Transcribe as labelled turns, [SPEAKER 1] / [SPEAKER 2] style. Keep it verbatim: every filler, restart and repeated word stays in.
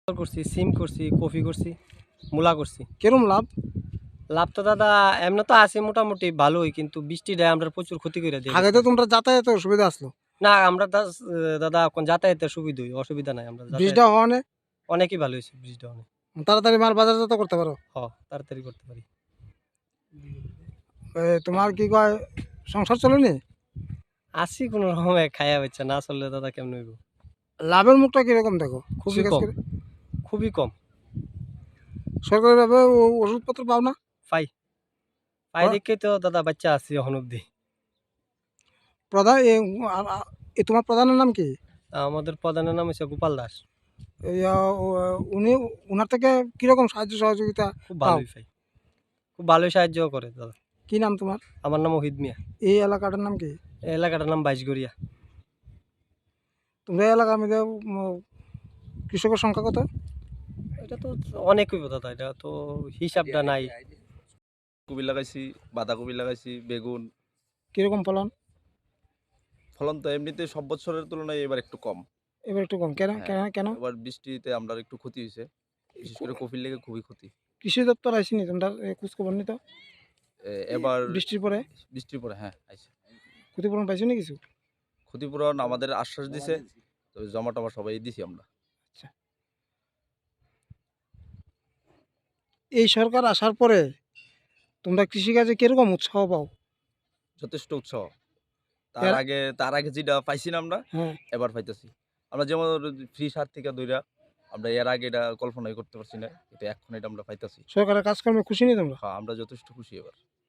[SPEAKER 1] করছি, সিম করছি, কফি করছি, মূলা করছি।
[SPEAKER 2] কিরম লাভ?
[SPEAKER 1] লাভ তো দাদা এমনি তো আছে মোটামুটি ভালোই, কিন্তু বৃষ্টিটা আমরা প্রচুর ক্ষতি করে দিয়ে
[SPEAKER 2] আগে
[SPEAKER 1] গেছে।
[SPEAKER 2] তো তোমরা যাতায়াতের অসুবিধা আসলো,
[SPEAKER 1] না আমরা দাস দাদা এখন যাতায়াতের সুবিধাই, অসুবিধা নাই। আমরা যাতায়াত
[SPEAKER 2] বৃষ্টিটা হওয়া নেই,
[SPEAKER 1] অনেকই ভালো হয়েছে বৃষ্টিটা অনেক।
[SPEAKER 2] তাড়াতাড়ি মাল বাজারজাত করতে পারো।
[SPEAKER 1] হ তাড়াতাড়ি করতে পারি।
[SPEAKER 2] এ, তোমার কি কয় সংসার চলেনি?
[SPEAKER 1] আছি কোনো রকমে খাইয়া বাচ্চা, না চললে দাদা কেমন হইব?
[SPEAKER 2] লাভের মুখটা কিরকম দেখো?
[SPEAKER 1] খুবই
[SPEAKER 2] কৃষিকাজ
[SPEAKER 1] কম,
[SPEAKER 2] করে
[SPEAKER 1] খুবই কম।
[SPEAKER 2] সরকারিভাবে ও- ওষুধপত্র পাও না?
[SPEAKER 1] পাই পাই
[SPEAKER 2] পাও?
[SPEAKER 1] দেখেই তো দাদা বাচ্চা আছি এখন অব্দি।
[SPEAKER 2] প্রধান এ, আ- আ- এ তোমার প্রধানের নাম কি?
[SPEAKER 1] আমাদের প্রধানের নাম হচ্ছে গোপাল দাস।
[SPEAKER 2] এই, আ, ও- উনি উনার থেকে কিরকম সাহায্য সহযোগিতা
[SPEAKER 1] খুব
[SPEAKER 2] পাও?
[SPEAKER 1] ভালোই পাই, খুব ভালোই সাহায্য করে দাদা।
[SPEAKER 2] কি নাম তোমার?
[SPEAKER 1] আমার নাম ওহিদ মিয়া।
[SPEAKER 2] এই এলাকাটার নাম কি?
[SPEAKER 1] এই এলাকাটার নাম বাইশগড়িয়া।
[SPEAKER 2] তোমরা এই এলাকার মধ্যে উম, কৃষকের সংখ্যা কত?
[SPEAKER 1] এটা তো অনেক হইব দাদা, এটা তো হিসাবটা নাই।
[SPEAKER 3] কপি লাগাইছি, বাঁধাকপি লাগাইছি, বেগুন।
[SPEAKER 2] কিরকম ফলন?
[SPEAKER 3] ফলন তো এমনিতে সব বছরের তুলনায় এবার একটু কম।
[SPEAKER 2] এবার একটু কম কেন?
[SPEAKER 3] হ্যাঁ,
[SPEAKER 2] কেন কেন?
[SPEAKER 3] এবার বৃষ্টিতে আমরা একটু ক্ষতি হয়েছে, বিশেষ করে কপির লেগে খুবই ক্ষতি।
[SPEAKER 2] কৃষি দপ্তর আসেনি তোমরা খোঁজ খবর নি তো?
[SPEAKER 3] এ, এবার
[SPEAKER 2] বৃষ্টির পরে
[SPEAKER 3] বৃষ্টির পরে হ্যাঁ আইছে।
[SPEAKER 2] ক্ষতিপূরণ পাইছো নি কিছু?
[SPEAKER 3] ক্ষতিপূরণ আমাদের আশ্বাস দিছে, তো জমা টমা সবাই দিছি আমরা।
[SPEAKER 2] আচ্ছা, এই সরকার আসার পরে তোমরা কৃষিকাজে কিরকম উৎসাহ পাও?
[SPEAKER 3] যথেষ্ট উৎসাহ। তার
[SPEAKER 2] এর-
[SPEAKER 3] আগে তার আগে যেটা পাইছি না আমরা,
[SPEAKER 2] হ্যাঁ,
[SPEAKER 3] এবার পাইতেছি। আমরা যেমন ফ্রি সার থেকে দইরা আমরা এর আগে এটা কল্পনাই করতে পারছি না, কিন্তু এখন এটা আমরা পাইতেছি।
[SPEAKER 2] সরকারের কাজকর্মে খুশি নি তোমরা?
[SPEAKER 3] হ্যাঁ, আমরা যথেষ্ট খুশি এবার।